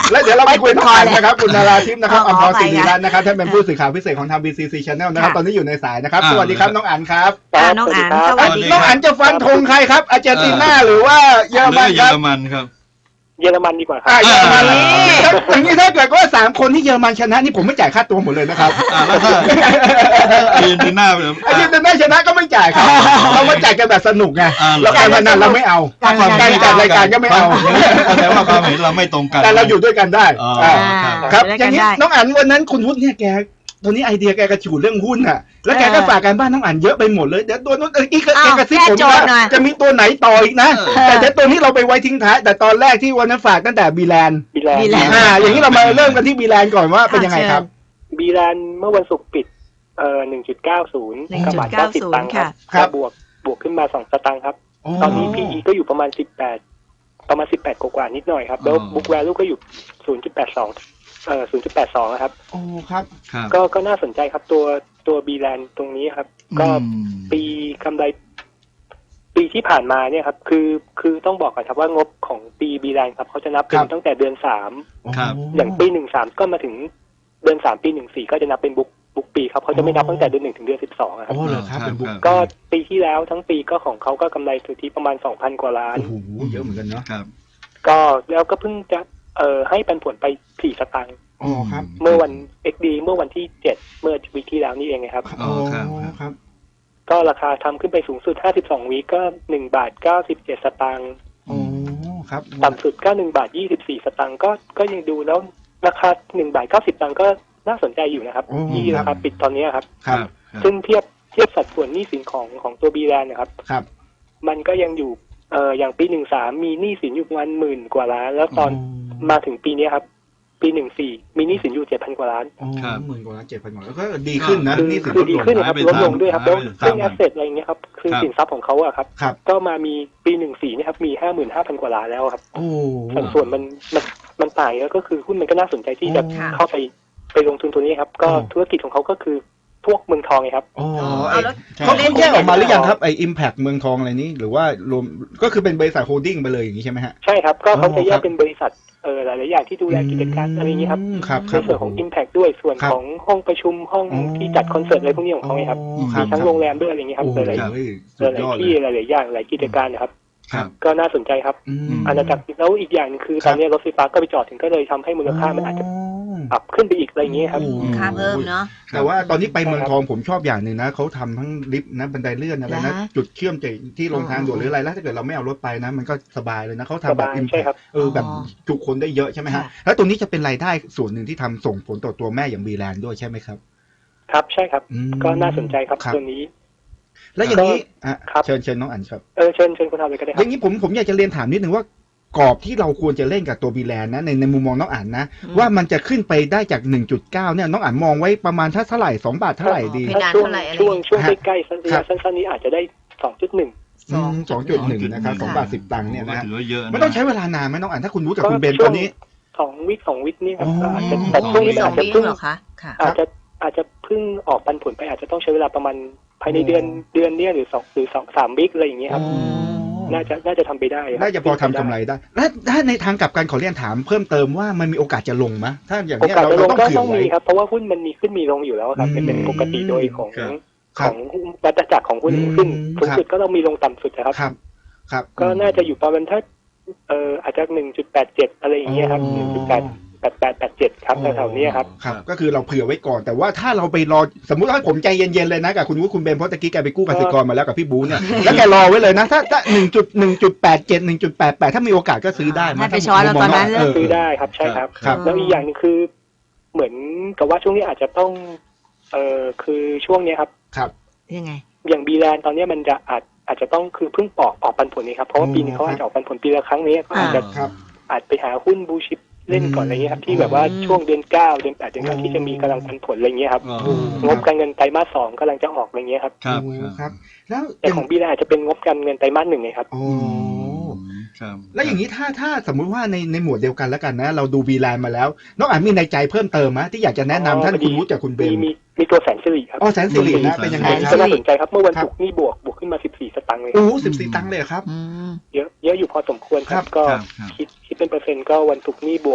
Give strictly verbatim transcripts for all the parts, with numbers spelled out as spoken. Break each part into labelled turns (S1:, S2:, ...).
S1: แล้วเดี๋ยวเราไปคุยต่อนะครับคุณนาราทิพย์นะครับอัมพรศิริรัตน์นะครับท่านเป็นผู้สื่อข่าวพิเศษของทาง บี ซี ซี Channel นะครับตอนนี้อยู่ในสายนะครับสวัสดีครับน้องอั๋นครับ
S2: น้องอั๋นสวัสดี
S1: น้องอั๋นจะฟันธงใครครับอาร์เจนตินาหรือว่าเยอรมันครับ
S3: เยอรมันครับ
S4: เยอรมันดีกว่าครับ
S1: เยอรมันอย่างนี้ถ้าเกิดว่าสามคนที่เยอรมันชนะนี่ผมไม่จ่ายค่าตัวหมดเลยนะครับ
S3: แล้วถ้าอาร์เจนตินา
S1: อาร์เจนตินาชนะก็ไม่จ่ายครับเรามาจ่ายกันแบบสนุกไงเราการพนันเราไม่เอาการจัดรายการก็ไม่เอา
S3: แต่ว่าความเห็นเราไม่ตรงกัน
S1: แต่เราอยู่ด้วยกันได้ครับอย่างนี้น้องอั๋นวันนั้นคุณวุฒิเนี่ยแกตอนนี้ไอเดียแกกระฉูดเรื่องหุ้นอ่ะแล้วแกก็ฝากการบ้านน้องอั๋นเยอะไปหมดเลยเดี๋ยวตัวนู้นอีกแกกระซิบผมนะจะมีตัวไหนต่ออีกนะแต่เดี๋ยวตัวนี้เราไปไว้ทิ้งท้ายแต่ตอนแรกที่วันนั้นฝากตั้งแต่บีแลนด์
S4: บีแลนด์
S1: อ่าอย่างนี้เรามาเริ่มกันที่บีแลนด์ก่อนว่าเป็นยังไงครับ
S4: บีแลนด์เมื่อวันศุกร์ปิดเอ่อ หนึ่งจุดเก้าศูนย์ กับบาทเก้าสิบตังค์ครับบวกบวกขึ้นมาสองสตางค์ครับตอนนี้ พี อี ก็อยู่ประมาณสิบแปดประมาณสิบแปดกว่าๆนิดหน่อยครับแล้ว Book Value ก็อยู่ ศูนย์จุดแปดสองเอ่อ ศูนย์จุดแปดสอง นะครับ
S1: โอ้ครับ
S4: ก็ก็น่าสนใจครับตัวตัวบีแลนด์ตรงนี้ครับก็ปีกำไรปีที่ผ่านมาเนี่ยครับคือคือต้องบอกก่อนครับว่างบของปีบีแลนด์ครับเขาจะนับเป็นตั้งแต่เดือนสามอย่างปีหนึ่งสามก็มาถึงเดือนสามปีหนึ่งสี่ก็จะนับเป็นบุ๊กบุ๊กปีครับเขาจะไม่นับตั้งแต่เดือนหนึ่งถึงเดือนสิบสองครับ
S1: โอ้เหรอครับเป็นบุ๊ก
S4: ก็ปีที่แล้วทั้งปีก็ของเขาก็กำไรสุทธิประมาณ สองพัน กว่าล้าน
S1: โอ้โหเยอะเหมือนกันเนาะ
S3: ครับ
S4: ก็แล้วก็เพิ่งจะเอ่อให้ปันผลไปสี่สตางค์
S1: อ๋อครับ
S4: เมื่อวัน เอ็กซ์ ดี เมื่อวันที่เจ็ดเมื่อวีคที่แล้วนี่เองครับ
S1: อ๋อครับครับ
S4: ก็ราคาทำขึ้นไปสูงสุดห้าสิบสองวีคก็หนึ่งบาทเก้าสิบเจ็ดสตางค์
S1: อ๋อครับ
S4: ต่ำสุดก็หนึ่งบาทยี่สิบสี่สตางค์ก็ก็ยังดูแล้วราคาหนึ่งบาทเก้าสิบสตางค์ก็น่าสนใจอยู่นะครับที่ราคาปิดตอนนี้ครับซึ่งเทียบเทียบสัดส่วนหนี้สินของของตัวบีแลนด์นะครับ
S1: ครับ
S4: มันก็ยังอยู่เอ่ออย่างปีหนึ่งสามมีหนี้สินอยู่ประมาณหมื่นกว่าล้านแล้วตอนมาถึงปีนี้ครับปีหนึ่งสี่มีหนี้สินอยู่เจ็ดพันกว่าล้าน
S1: หมื่นกว่าล้านเจ็ดพันกว่าล้านก็ดีขึ้นนะ
S4: นี่คือดีขึ้นครับลดลงด้วยครับแล้วเรื่องแอสเซทอะไรเงี้ยครับคือสินทรัพย์ของเขาอะครับก็มามีปีหนึ่งสี่นี่ครับมีห้าหมื่นห้าพันกว่าล้านแล้วครับสัดส่วนมันมันมันต่างแล้วก็คือหุ้นมันก็น่าสนใจที่จะเข้าไปไปลงทุนตัวนี้ครับก็ธุรกิจของเขาก็คือพวกเมืองทองไงครับ
S1: อ๋อเขาแยกออกมาหรือยังครับไอ้ Impact เมืองทองอะไรนี้หรือว่ารวมก็คือเป็นบริษัทโฮลดิ้งไปเลยอย่างนี้ใช่ไหมฮะ
S4: ใช่ครับก็เขาจะแยกเป็นบริษัทเออหลายๆอย่างที่ดูแลกิจการอะไรอย่างนี้ครับในส่วนของ Impact ด้วยส่วนของห้องประชุมห้องที่จัดคอนเสิร์ตอะไรพวกนี้ของเขาไงครับมีทั้งโรงแรมด้วยอะไรอย่างนี้ครับหลายๆหลายที่หลายๆอย่างหลายกิจการนะครับก็น่าสนใจครับอาณาจักรแล้วอีกอย่างนึงคือตอนนี้รถไฟฟ้าก็ไปจอดถึงก็เลยทำให้มูลค่ามันอาจจะปรับขึ้นไปอีกอะไรอย่างนี้ครับ
S2: ค่าเพิ่มเนาะ
S1: แต่ว่าตอนนี้ไปเมืองทองผมชอบอย่างหนึ่งนะเขาทำทั้งลิฟต์นะบันไดเลื่อนอะไรนะจุดเชื่อมจากที่ลงทางด่วนหรืออะไรแล้วถ้าเกิดเราไม่เอารถไปนะมันก็สบายเลยนะเขาทำแบบอิมแพคเออแบบจุคนได้เยอะใช่ไหมฮะแล้วตรงนี้จะเป็นรายได้ส่วนหนึ่งที่ทำส่งผลต่อตัวแม่อย่างบีแลนด์ด้วยใช่ไหมครับ
S4: ครับใช่ครับก็น่าสนใจครับตัวนี้
S1: แล้วอย่างนี้เชิญเชิญน้องอั๋นครับ
S4: เออเชิญเชิญคุณทำเลยก็ได้ครับ
S1: อย่างนี้ผมผมอยากจะเรียนถามนิดนึงว่ากรอบที่เราควรจะเล่นกับตัวบีแลนด์นะในในมุมมองน้องอั๋นนะว่ามันจะขึ้นไปได้จาก หนึ่งจุดเก้า เนี่ยน้องอั๋นมองไว้ประมาณเท่าไหร่สองบาทเท่าไหร่ดี
S4: ช่วงช่วงช่วงใกล้ๆสั้นๆนี้อาจจะได้ สองจุดหนึ่ง
S1: สองจุดหนึ่ง นะครับสองบาทสิบตังค์เนี่ยนะไม่ต้องใช้เวลานานไหมน้องอั๋นถ้าคุณรู้กับคุณเบนตอนนี้
S4: สองวิสองวินี่ครับอาจจะแต่ช่วงนี้อาจจะเพิ่งอาจจะอาจจะเพิ่งออกปันผลไปอาจจะต้องใช้เวลาประมาณภายในเดือนเดือนนี้หรือสองหรือสองสามวิอะไรอย่างเงี้ยครับน่าจะน่าจะทำไปได้
S1: น่าจะพอทำกำไรได้และถ้าในทางกลับกันขอเรียนถามเพิ่มเติมว่ามันมีโอกาสจะลงไหมถ้าอย่างนี้เราต้อง
S4: เผื่อไว้ครับเพราะว่าหุ้นมันมีขึ้นมีลงอยู่แล้วครับเป็นปกติโดยของของวัฏจักรของหุ้นขึ้นสูงสุดก็ต้องมีลงต่ำสุดนะครับ
S1: ครับ
S4: ก็น่าจะอยู่ประมาณถ้าเอ่ออาจจะ หนึ่งจุดแปดเจ็ด อะไรอย่างเงี้ยครับ หนึ่งจุดแปด แปด แปด แปด เจ็ด ครับแถวๆนี้ครับ
S1: ครับก็คือเราเผื่อไว้ก่อนแต่ว่าถ้าเราไปรอสมมุติว่าผมใจเย็นๆเลยนะกับคุณวุฒิคุณเบนเพราะตะกี้แกไปกู้กสิกรมาแล้วกับพี่บูเนี่ยแล้วแกรอไว้เลยนะถ้าถ้า หนึ่งจุดหนึ่งจุดแปดเจ็ด หนึ่งจุดแปดแปด ถ้ามีโอกาสก็ซื้อได้
S2: มาไปช้อนแล้วตอนนั้น
S4: ซื้อได้ครับใช่ครับแล้วอีกอย่างนึงคือเหมือนกับว่าช่วงนี้อาจจะต้องเอ่อคือช่วงนี้ครับ
S1: ครับ
S2: ยังไง
S4: อย่างบีแลนด์ตอนนี้มันจะอาจอาจจะต้องคือเพิ่งออกออกปันผลนี้ครับเพราะว่าปีนี้เขาอาจจะออกปันผลปีละครั้งนี้ก็อาจจะอาจไปหาหุ้นบูชิปเล่นก่อนอะไรเงี้ยครับที่แบบว่าช่วงเดือนเก้าเดือนแปดเดือนเก้าที่จะมีกำลังปันผลอะไรเงี้ยครับงบการเงินไตรมาสสองกำลังจะออกอะไรเงี้ยครับ
S1: ครับครับ
S4: แล้วแต่ของบีแลนด์อาจจะเป็นงบการเงินไตรมาสหนึ่งไงครับ
S1: โอ้แล้วอย่างนี้ถ้าถ้าสมมุติว่าในในหมวดเดียวกันแล้วกันนะเราดูบีแลนด์มาแล้วน้องอ่านมีในใจเพิ่มเติมไหมที่อยากจะแนะนำท่านคุณวุฒิจากคุณเบน
S4: มีมีตัวแสนสิริครับ
S1: อ๋อแสนสิรินะเป็นยังไง
S4: ครับน่าสนใจครับเมื่อวันศุกร์นี่บวกบวกขึ้นมาสิบสี่สตางค์เลย
S1: โอ้สิบสี่ตังค์เลยครับ
S4: เยอะเยอะอยู่พอสมควรครับก็คิดคิดเป็นเปอร์เซ็นต์ก็วันศุกร์นี่บวก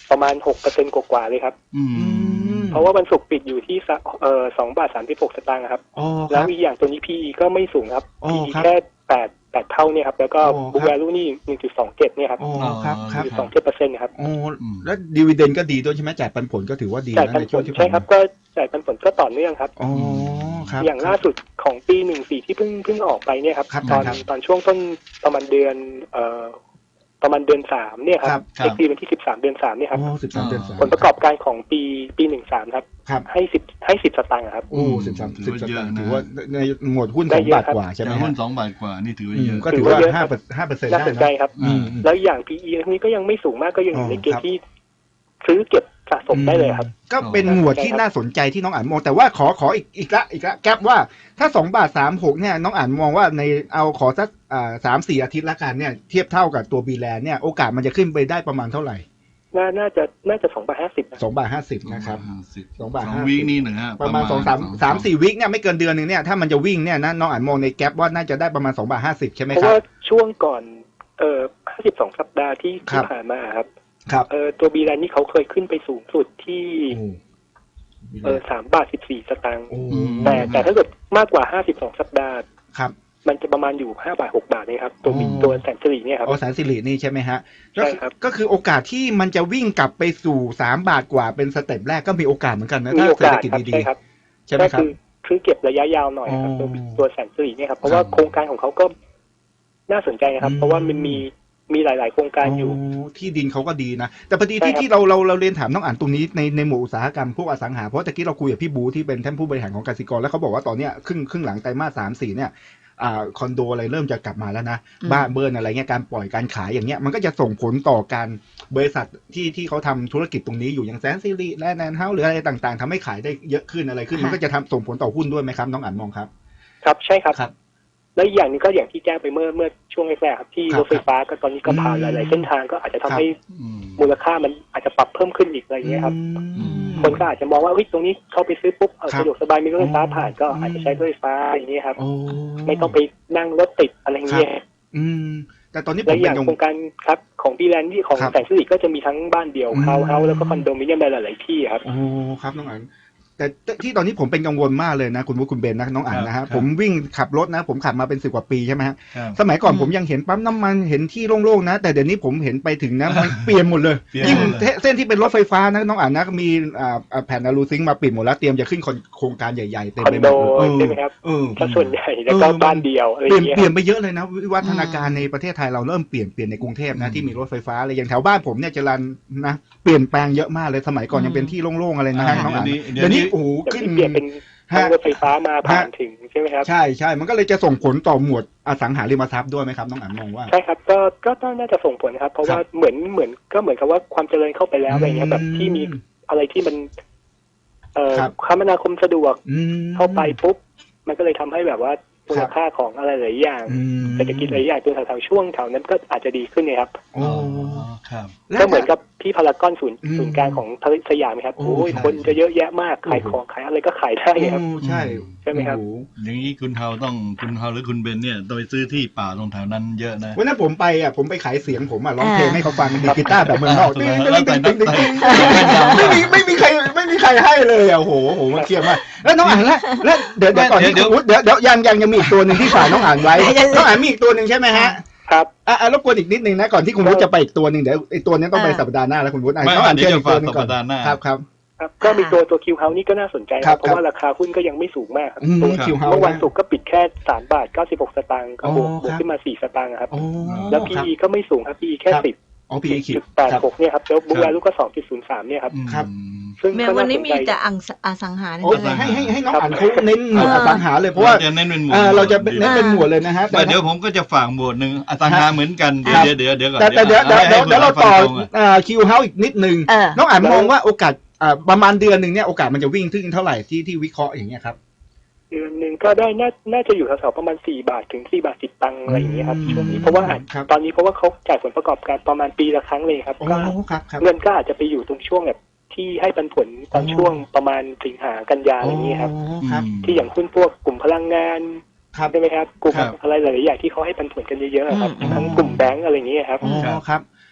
S4: ประมาณหกเปอร์เซ็นต์กว่าๆเลยครับ
S3: อืม
S4: เพราะว่าวันศุกร์ปิดอยู่ที่สะเอ่อสองบาทสามสิบหกสตางค์ครับ
S1: อ๋อค
S4: แล้
S1: รั
S4: ว
S1: บ
S4: อีกอย่างตัวนี้ พี อี ก็ไม่สูงครับ
S1: อ๋อ
S4: พี อี
S1: ครับ
S4: แค่แปดแปดเท่าเนี่ยครับแล้วก็
S1: อ๋อครับ
S4: บุ๊กแวลูนี่หนึ่งจุดสองเจ็ดเนี่ยครับ
S1: อ๋อครับครับ
S4: หนึ่งจุดสองเจ็ดเปอร์เซ็นต์ครับ
S1: โอ้แล้วดีวิเดนก็ดีด้วยใช่ไหมจ่ายปันผลก็ถือว่าดี
S4: จ่าย
S1: นะ
S4: ปัน
S1: ใน
S4: ผ
S1: ช่ว
S4: ล
S1: งที่
S4: ใช่
S1: ผ่าน
S4: ครับ
S1: มา
S4: ก็จ่ายปันผลก็ต่อเนื่องครับ
S1: อ๋อครับ
S4: อย่างล่าสุดของปีหนึ่งสี่ที่เพิ่งเพิ่งออกไปเนี่ยครับ
S1: ครับ
S4: ตอน
S1: ครับ
S4: ตอนช่วงต้นประมาณเดือนเอ่อประมาณเดือนสามเนี่ยค
S1: ครั
S4: รับบ
S3: ครับ
S4: เอ็กซ์ดีวันที่สิบสามเดือนสามเนี่ยครับ
S1: โอ้สิบสามเดือนสาม
S4: ผลประกอบการของปีปีหนึ่งสามครับ
S1: ครับ
S4: ให้สิบให้สิบสตางค์ครับ
S1: โอ้สิบสาม
S3: ถื
S1: สิ
S3: อบ ว่า
S1: ส
S3: เยอะ
S1: ตางค์
S3: นะ
S1: ถือว่าในหมวดหุ้น
S4: ได้
S1: สอง
S4: เยอะ
S1: บาท
S4: ครับ
S1: กว่าใช่ไหม
S3: แต่
S1: ฮะ
S3: หุ้นสองบาทกว่านี่ถือว่า
S1: อื
S3: เย
S1: ม
S3: อะ
S1: ก็ถือว่า
S4: ถือว่าเยอะ
S1: ห้า
S4: ครับ
S1: ห้าเปอร์เซ็นต์
S4: น่า
S1: ได้
S4: สนใจ
S1: นะครับ
S4: อืมแล้วอย่าง พี อี อันนี้ก็ยังไม่สูงมากก็ยังอยู่ในเกณ
S1: อ๋อครับ
S4: ฑ์ที่ซื้อเก็บสะสมได้เลยครับ
S1: ก็เป็นหมวดที่น่าสนใจที่น้องอ่านมองแต่ว่าขอขออีกอีกละอีกละแก๊ปว่าถ้าสองบาทสามหกเนี่ยน้องอ่านมองว่าในเอาขอสักอ่าสามสี่อาทิตย์ละกันเนี่ยเทียบเท่ากับตัวบีแลนเนี่ยโอกาสมันจะขึ้นไปได้ประมาณเท่าไหร่
S4: น่าน่าจะน่าจะสองบาทห้าสิบ
S1: สองบาทห้าสิบนะครับ สองบาท
S3: สอง
S1: ห้าสิบ
S3: วีคนี่หนึ่งฮะ
S1: ประมาณสองสามสามสี่วิคเนี่ยไม่เกินเดือนหนึ่งเนี่ยถ้ามันจะวิ่งเนี่ยนะน้องอ่านมองในแก๊ปว่าน่าจะได้ประมาณสองบาทห้าสิบใช่ไหม
S4: เพราะ
S1: ครับ
S4: ว่าช่วงก่อนเอ่อห้าสิบสองสัปดาห์ที่
S1: ครั
S4: ที่
S1: บ
S4: ผ่านมาครับ
S1: ครับ
S4: เอ่อตัวบีแลนนี่เขาเคยขึ้นไปสูงสุดที่เอ่อสามบาทสิบสี่สตางค์
S1: โอ้
S4: แต่แต่ถ้าเกิดมากกว่าห้าสิบสองสัปดาห์
S1: ครับ
S4: มันจะประมาณอยู่ห้าบาทหกบาทเลยครับตัวมี
S1: อ๋อ
S4: ตัวแสนสิริเนี่ยครับ
S1: อ๋อแสนสิรินี่ใช่ไหมฮะ
S4: ใช่ครับ
S1: ก็คือโอกาสที่มันจะวิ่งกลับไปสู่สามบาทกว่าเป็นสเต็ปแรกก็มีโอกาสเหมือนกันนะ
S4: มี
S1: ถ้า
S4: โอ
S1: เศรษ
S4: กา
S1: ฐ
S4: ส
S1: กิจ
S4: ครับ
S1: ดี
S4: ใช่ครับ
S1: ๆใช่ไหม
S4: ก็
S1: ครับ
S4: คือคือเก็บระยะยาวหน่อยครับ
S1: อ๋
S4: ตัว
S1: อ
S4: ตัวแสนสิริเนี่ยครับเพราะว่า
S1: ครับ
S4: โครงการของเขาก็น่าสนใจนะครับ
S1: อืม
S4: เพราะว่ามันมีมีหลาย ๆ โครงการอยู่
S1: ที่ดินเขาก็ดีนะ แต่พอดี
S4: ใช่
S1: ที่
S4: ครับ
S1: ที่เราเราเราเรียนถามน้องอ่านตรงนี้ในในหมู่อุตสาหกรรมพวกอสังหาเพราะตะกี้เราคุยกับพี่บูที่เป็นท่านผู้บริหารของกสิกรแล้วเขาบอกว่าตอนเนี้ยครึ่งครึ่งหลังไตรมาสสามสี่เนี่ยอ่าคอนโดอะไรเริ่มจะกลับมาแล้วนะ
S2: อืม
S1: บ้านเบิร์นอะไรเงี้ยการปล่อยการขายอย่างเงี้ยมันก็จะส่งผลต่อการบริษัทที่ที่เขาทำธุรกิจตรงนี้อยู่อย่างแสนสิริและแนนเฮาส์หรืออะไรต่างๆทำให้ขายได้เยอะขึ้นอะไรขึ้น
S2: ค่ะ
S1: มันก็จะทำส่งผลต่อหุ้นด้วยไหมครับน้องอ่านมองครับ
S4: ครับใช่ครับ
S1: ครับ
S4: แล้วอีกอย่างหนึงก็อย่างที่แจ้งไปเมื่อเมื่อช่วงแรกๆครับที่
S1: ครับ
S4: รถไฟฟ้าก็ตอนนี้ก็ผ่าน
S1: อืม
S4: หลาย ๆ เส้นทางก็อาจจะทำให้
S3: อืม
S4: มูลค่ามันอาจจะปรับเพิ่มขึ้นอีกอะไรอย่างเงี้ยครับ
S1: อืม
S4: คนก็อาจจะมองว่าเฮ้ยตรงนี้เข้าไปซื้อปุ๊บเออ
S1: ครับ
S4: สะดวกสบายมีรถไฟฟ้า
S1: อ๋อ
S4: ผ่านก็
S1: อืม
S4: อาจจะใช้รถไฟฟ้าอย่างเงี้ยครับ
S1: โอ้
S4: ไม่ต้องไปนั่งรถติดอะไรอย่างเงี้ย
S1: อืมแต่ตอนนี้ผ
S4: และ
S1: ม
S4: อ
S1: เป็
S4: ย่าง
S1: นกัง
S4: โคว รงการครับของบีแลนด์ที่ของ
S1: ครับ
S4: แสนสิริก็จะมีทั้งบ้านเดี่ยว
S1: อืม
S4: เฮาส์เฮาส์แล้วก็คอนโดมิเนียมในหลาย ๆ ที่ครับ
S1: โอ้ครับน้องอันแต่ที่ตอนนี้ผมเป็นกังวลมากเลยนะคุณวุฒิคุณเบนนะน้องอันนะ
S3: ครั
S1: ฮะ
S3: บ
S1: ผมวิ่งขับรถนะ ผมขับมาเป็นสิบกว่าปีใช่ไหมฮะ
S3: ครับ
S1: สมัยก่อน
S2: อืม
S1: ผมยังเห็นปั๊มน้ำมันเห็นที่โล่งๆนะ แต่เดี๋ยวนี้ผมเห็นไปถึงนะมันเปลี่ยนหมดเลย
S3: เปลี่ยน
S1: ยิ่ง
S3: หมดเลย
S1: เส้นที่เป็นรถไฟฟ้านะน้องอันนะมีอ่าอ่าแผ่นอะลูซิงค์มาปิดหมดแล้วเตรียมจะขึ้นโครงการใหญ่ๆเต็ม
S4: คอน
S1: ไปหม
S4: โด
S1: ดเลย
S4: ใช่ไหมครับ
S1: เออ
S4: ถ้าส่วนใหญ่แล้วก็
S1: เออมัน
S4: บ้านเดียวอะไรอ
S1: เปลี่ยน
S4: ย่างเงี้ย
S1: เปลี่ยนไปเยอะเลยนะวิวัฒนาการในประเทศไทยเราเริ่มเปลี่ยนเปลี่ยนในกรุงเทพนะ
S3: อืม
S1: ที่มีรถไฟฟ้าอะไรอย่างแถวบ้านผมเนี่ยจรัญนะเปลี่ยนแปลงเยอะมากเลยสมัยก่อนยังเป็นที่โล่งๆอะไรนะฮะ
S3: อ่า
S1: น้องอัน
S3: เดี๋ยวนี้
S1: เดี๋ยวนี้
S3: เดี๋ยวนี้
S1: โอ้โห
S4: แต่
S1: ขึ้น
S4: ที่เปลี่ยนเป็นทางรถไฟฟ้ามาผ่านถึงใช่ไหมครับ
S1: ใช่ใช่มันก็เลยจะส่งผลต่อหมวดอสังหาริมทรัพย์ด้วยไหมครับน้องอันมองว่า
S4: ใช่ครับก็ก็ต้องน่าจะส่งผลครับ เพราะว่าเหมือนเหมือนก็เหมือนกับว่าความเจริญเข้าไปแล้วอะไรเงี้ยแบบที่มีอะไรที่มัน เอ่อ
S1: ครับ
S4: คมนาคมสะดวก
S1: อืม
S4: เข้าไปปุ๊บมันก็เลยทำให้แบบว่ามูลค่าของอะไรหลายอย่าง
S1: อืม
S4: เศรษฐกิจหลายอย่างตัวแถวๆช่วงแถวนั้นก็อาจจะดีขึ้นเนี่ยครับ
S1: โอ้
S3: ครับ
S4: ก็เหมือนกับที่พารากอนศูนย์
S1: อืม
S4: ศูนย์กลางของสยามนะครับ
S1: โอ้
S4: โอ้ย
S1: ใช่
S4: คนจะเยอะแยะมากขาย
S1: โอ้
S4: ของขายอะไรก็ขายได้ครับ
S1: โอ้ใช่
S4: ใช่ไหมครับ
S1: โอ้โ
S3: อย่างนี้คุณเฮาต้องคุณเฮาหรือคุณเบนเนี่ยต้องไปซื้อที่ป่าตรงแถวนั้นเยอะนะ
S1: วันนั้นผมไปอ่ะผมไปขายเสียงผมอ่ะร้อง
S2: อ่า
S1: เพลงให้เขาฟังดีดกีตาร์แบบเมืองนอก
S3: แล้ว
S1: ติ๊งติ๊งติ๊งติ๊งติ๊ง
S3: แต่
S1: ไม่มีไม่มีใครไม่มีใครให้เลยอ่ะโอ้โหโอ้โหมันเครียดมากแล้วน้องอ่านแล้วแล้วเดี๋ยวเดี๋ยวก่อนที่
S3: เดี๋ยว
S1: คุณวุฒิเดี๋ยวเดี๋ยวยังยังยังมีอีกตัวหนึ่งที่ฝากน้องอ่านไว้น้องอ่านมีอีกตัวหนึ่งใช่ไหมฮะ
S4: ครับ
S1: อ่ะอ่ะรบกวนอีกนิดนึงนะก่อนที่คุณวุฒิจะไปอีกตัวหนึ่งเดี๋ยวไอ้ตัวนี้ต้องไปสัปดาห์หน้าแล้วคุณวุฒิอ่ะ
S3: ไม่
S1: น้องอ่าน
S3: เดี๋ยว
S1: เชิญ
S3: จะ
S1: อีกตัวหนึง
S3: ฝาก
S1: ก่อน
S3: สัปดาห์หน้า
S1: ครับครับ
S4: ครับก็มีตัวตัวคิวเฮานี่ก็น่าสนใจ
S1: ค
S4: ค
S1: รั
S4: รั
S1: บบ
S4: เพราะว่าราคาหุ้นก็ยังไม่สูงมากครับ
S1: อืม
S4: ตัว
S1: คิวเฮา
S4: เมื่อวัน
S1: นะ
S4: ศุกร์ก็ปิดแค่สามบาทเก้าสิบหกสตางค์ก็บวก
S1: อ๋อบ
S4: วก
S1: ครับ
S4: ขึ้นมาสี่สตางค์ครับ
S1: โอ้
S4: แล้ว
S1: ค
S4: พี
S1: รับ
S4: อีก็ไม่สูงครับ พี อี แค่
S1: ครับ
S4: สิบ
S1: อ๋อพีขีด
S4: จุดแปดหกเนี่ยครับแล้วบุ๊กแวลูก็สองจุดศูนย์สามเนี่ยครับ
S3: อืม
S1: ครับ
S4: ซึ่ง
S2: แม้
S4: ก็
S2: วัน
S4: น่า
S2: นี้
S4: สน
S2: มี
S4: ใจ
S2: แต่อังอสังหา
S1: โอ้ย
S2: เนี่ย
S1: ให้ให้ให้น้อง
S4: ครับ
S1: อ่านเขาเน้นหมวด
S2: เอ
S1: อ
S2: อ
S1: สังหาเลยเพราะว่า
S3: จะเน้นเป็นหมวด
S1: เออเราจะ
S3: ดี
S1: เน้นเป็นหมวดเลยนะฮะแต่
S3: ไม่เดี๋ยวผมก็จะฝากหมวดหนึ่งอสังหาเหมือนกันเดี๋ยว
S1: ครับ
S3: เดี๋ยวเดี๋ยวเดี๋ยวก่อน
S1: แต่แต่เดี๋ยวเดี๋ยวเดี๋ยวเดี๋ยวเราต่อ
S3: ให้คุณฟังตรงอะ
S1: อ่าคิวเฮาอีกนิดนึง
S2: เออ
S1: น้องอ่านมองว่าโอกาสอ่าประมาณเดือนหนึ่งเนี่ยโอกาสมันจะวิ่งถึงเท่าไหร่ที่ที่วิเคราะห์อย่างเงี้ยครับ
S4: เดือนหนึ่งก็ได้น่าน่าจะอยู่แถวๆประมาณสี่บาทถึงสี่บาทสิบตังค์อะไรอย่างเงี้ยครับ
S1: อืม
S4: ช่วงนี้เพราะว่าอาจ
S1: ครับ
S4: ตอนนี้เพราะว่าเขาจ่ายผลประกอบการประมาณปีละครั้งเลยครับ
S1: โอ้
S4: ก็
S1: ครับครับ
S4: เงินก็อาจจะไปอยู่ตรงช่วงแบบที่ให้ปันผลตอน
S1: อ๋อ
S4: ช่วงประมาณสิงหากันยาอะไรอย่างเงี้ยครับ
S1: โอ้ครับ
S4: ที่อย่างหุ้นพวกกลุ่มพลังงาน
S1: ครับ
S4: ใช่ไหมครับกลุ่ม
S3: ครับ
S4: อะไรหลายๆอย่างที่เขาให้ปันผลกันเยอะๆครับ
S2: อืม
S4: ทั้งกลุ่มแบงก์อะไรอย่างเงี้ยครับ
S1: อ๋อครับ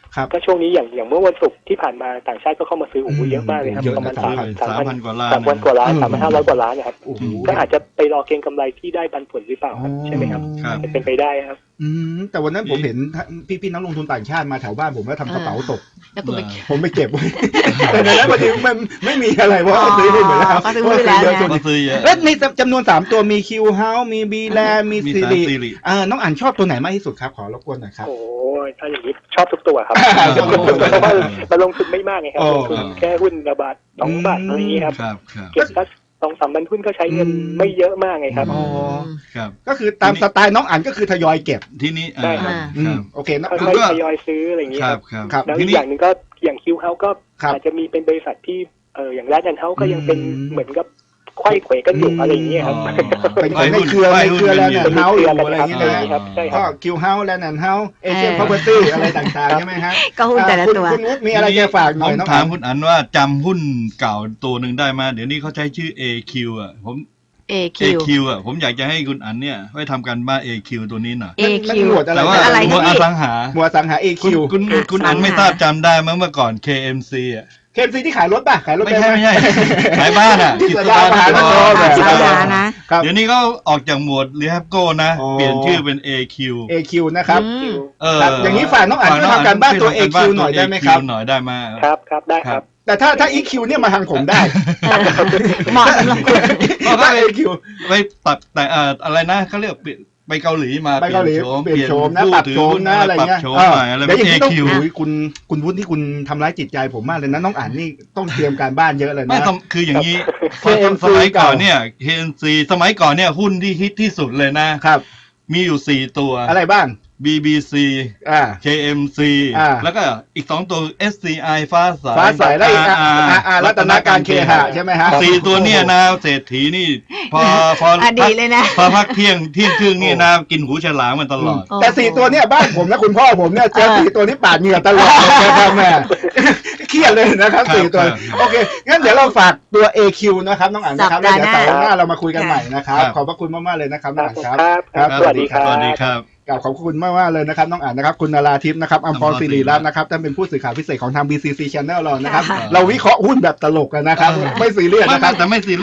S1: ครับ
S4: ก็ช่วงนี้อย่างอย่างเมื่อวันศุกร์ที่ผ่านมาต่างชาติก็เข้ามาซื้อโอ้โหเยอะมากเลยครับ
S1: เยอะนะ
S4: ประมาณ
S1: สามพัน
S4: สาม
S3: สาม
S4: พั
S3: พั
S4: น
S3: นกว่าล้าน
S4: สามพันกว่าล้าน
S1: อืม
S4: สามพันห้าร้อยกว่าล้านนะครับ
S1: โอ้โห
S4: ก็อาจจะไปรอเก็งกำไรที่ได้ปันผลหรือเปล่าครับใช่ไหมครับ
S3: ครับ
S4: จะเป็นไปได้ครับ
S1: อืมแต่วันนั้นผมเห็นพี่พี่ๆนักลงทุนต่างชาติมาแถวบ้านผมแล้วทำกระเป๋าตก
S2: แล้วคุณไป
S1: ผมไปเก็บไว้ แต่ในนั้นพอดีมันไม่มีอะไรเพราะว่าซื้อได้หมดแล้ว
S2: อ๋อก็ซื้อไว้แล้วนะ
S1: เพราะ
S3: ก็ซื้อเยอะ
S1: แล้วในจำนวนสามตัวมีคิวเฮาส์มีบีแลมี
S3: มี
S1: ซี
S3: สาร
S1: รี
S3: ซีรี
S1: อ่าน้องอ่านชอบตัวไหนมากที่สุดครับขอรบกวนหน่อยครับ
S4: โอ้ยถ้าอย่างนี้ชอบทุกตัวครับ
S1: อ่า
S4: ชอบทุกตัวเพราะว่าเราลงทุนไม่มากไงครับ
S1: โอ้
S4: ลงทุนแค่หุ้นระบาทสองบาท
S1: อืม
S4: อะไรอย่างนี้ครับ
S3: ครับครับ
S4: เก็บสักสองสามพันหุ้นก็ใช้เงิน
S1: อืม
S4: ไม่เยอะมากไงครับ
S1: อ๋อ
S3: ครับ
S1: ก็คือตามสไตล์น้องอ่านก็คือทยอยเก็บ
S3: ที่นี้
S4: ได้ครับ
S1: อื
S3: ครั
S1: ม
S3: บ
S1: โอเคนะ
S4: ค่
S3: แล้
S4: อ
S3: วย ก็
S4: ๆทยอยซื้ออะไรอย่างนี้
S3: ค
S4: ค
S3: รั
S4: รั
S3: บบ ครับ
S1: ครับ
S4: แล้ว
S3: ที
S4: อีก
S3: นี้
S4: อย่างหนึ่งก็อย่างคิวเฮาก็
S1: ครับ
S4: อาจจะมีเป็นบริษัทที่เอออย่างแรดแอนเฮาก็ยังเป็น
S1: อืม
S4: เหมือนกับไขว้เขวกันอยู่
S1: อืม
S4: อะไรอย่างเงี้ยครับ
S3: อ๋อ
S1: เป็นของในเครือในเครือแลนด์แอนด์เฮาส์อยู่อะไรอย่างเงี้ย
S4: ใช่
S1: นะ
S4: ครับใช่ค
S1: ก็
S4: รับ
S1: คิวเฮาส์แลนด์แอนด์เฮาส์เอเชียนพาวเวอร์ตี้อะไรต่างๆใช่ไหมฮะ
S2: ก็หุ้นแต่ละ
S1: คุณ
S2: ตัว
S1: คุณวุฒิมีอะไรจะฝากห
S3: ผ
S1: น่อย
S3: ม
S1: น้อง
S3: ถาม
S1: อ่าน
S3: คุณอันว่าจำหุ้นเก่าตัวหนึ่งได้ไหมเดี๋ยวนี้เขาใช้ชื่อ เอ คิว อ่ะผม
S2: เอ
S3: เอ
S2: คิว
S3: คิว อ่ะผมอยากจะให้คุณอันเนี่ยไว้ทำการบ้าน เอ คิว ตัวนี้หน่อย
S2: เอ
S1: มัน
S2: คิว
S1: หมวดอะไร
S3: แต่ว่า
S2: อะไร
S3: หมวด
S2: นี่
S3: อสังหา
S1: หมวดสังหา เอ
S3: คุณ
S1: คิว
S3: คุณคุณอันไม่ทราบจำได้มั้ยเมื่อก่อน เค เอ็ม ซี อ่ะ
S1: เค เอ็ม ซี ที่ขายรถป่ะขายรถ
S3: ไม่ใช่
S1: ด้ห
S3: ไม่ใช่ขายบ้านอ่ะ
S1: ที่สยามมหานคร
S2: สาขานะ
S1: ครับ
S3: เดี๋ยวนี้เขาออกจากหมวดรีแฮปโก้นะ
S1: อ๋อ
S3: เปลี่ยนชื่อเป็น เอ คิว
S1: เอ คิว นะครับ
S2: อืม
S3: เออ
S1: ครับอย่างนี้ฝากน้องอันช่วยทำการบ้านตัว เอ คิว หน่อยได้ไหมครับ
S3: เอ คิว หน่อยได้ไหม
S4: ครับครับได้ครับ
S1: แต่ถ้าถ้า อี คิว เนี่ยมาทางผมได้
S2: เหมาะสำหรับคุณ
S1: ถ้า เอ คิว
S3: ไปตัดแต่เอ่ออะไรนะเขาเรียกไปเกาหลีมา
S1: ไปเกาหลีเปลี่ยนโฉมนะ
S3: ผู้
S1: ปรับ
S3: ถือ
S1: โฉม
S3: หุ้
S1: นะอะไรเงี้ย
S3: ปรับโฉม
S1: เออ
S3: ใหม่อะไร
S1: เดี๋ยวอย่าง
S3: เอ
S1: นี้ต้อง
S3: คิว
S1: โอ้ยคุณคุณวุฒิที่คุณทำร้ายจิตใจผมมากเลยนะน้องอ่านนี่ต้องเตรียมการบ้านเยอะเลย
S3: ไม่
S1: นะ
S3: ต้องคืออย่างนี้
S1: เค เอ็มซี
S3: สมัยก่อนเนี่ย เค เอ็ม ซี สมัยก่อนเนี่ยหุ้นที่ฮิตที่สุดเลยนะ
S1: ครับ
S3: มีอยู่สี่ตัว
S1: อะไรบ้าง
S3: บี บี ซี
S1: อ่า
S3: เค เอ็ม ซี
S1: อ่า
S3: แล้วก็อีกสองตัว เอส ซี ไอ ฟ้าใส
S1: ฟ้าใสและอีกอ่ะ
S3: อาร์
S1: อ่าอ่ารัตนาการเคหะใช่ไหมฮะ
S3: สี่ตัวเนี่ยนะเศรษฐีนี่ พอพอ
S2: อดีตเลยนะ
S3: พอพักเที่ยงเที่ยงครึ่งนี่นะกินหูฉลามมันตลอด
S1: แต่สี่ตัวเนี่ยบ้านผมและคุณพ่อผมเนี่ยเจอสี่ตัวนี้ปาดเหงื่อตลอดเลยนะครับแม่เครียดเลยนะครับ
S3: ครับ
S1: สี่ตัว
S3: ครับ
S1: โอเคงั้นเดี๋ยวเราฝากตัว เอ คิว นะครับน้องอ่านนะครับ
S2: สั
S1: แล้ว
S2: ปดาห์
S1: เดี๋ยว
S2: หน้า
S1: เสาร์หน้าเรามาคุยกันใหม่นะครับ
S3: ครับ
S1: ขอบพระคุณมากๆเลยนะครับน้องอ่านครับ
S4: ครับ สวัสดีครับ
S3: สวัสดีครับ
S1: กล่าวขอบคุณมากมากๆเลยนะครับน้องอ่านนะครับคุณนาราทิพย์นะครับอัมพรศิริรัตน์นะครับท่านเป็นผู้สื่อข่าวพิเศษของทาง บี ซี ซี Channel เรานะครับ
S2: ค่ะ
S1: เราวิเคราะห์หุ้นแบบตลกกันนะครับ ไม่ซีเรียส
S3: ไม่
S1: นะครับ
S3: แต่ไม่ซี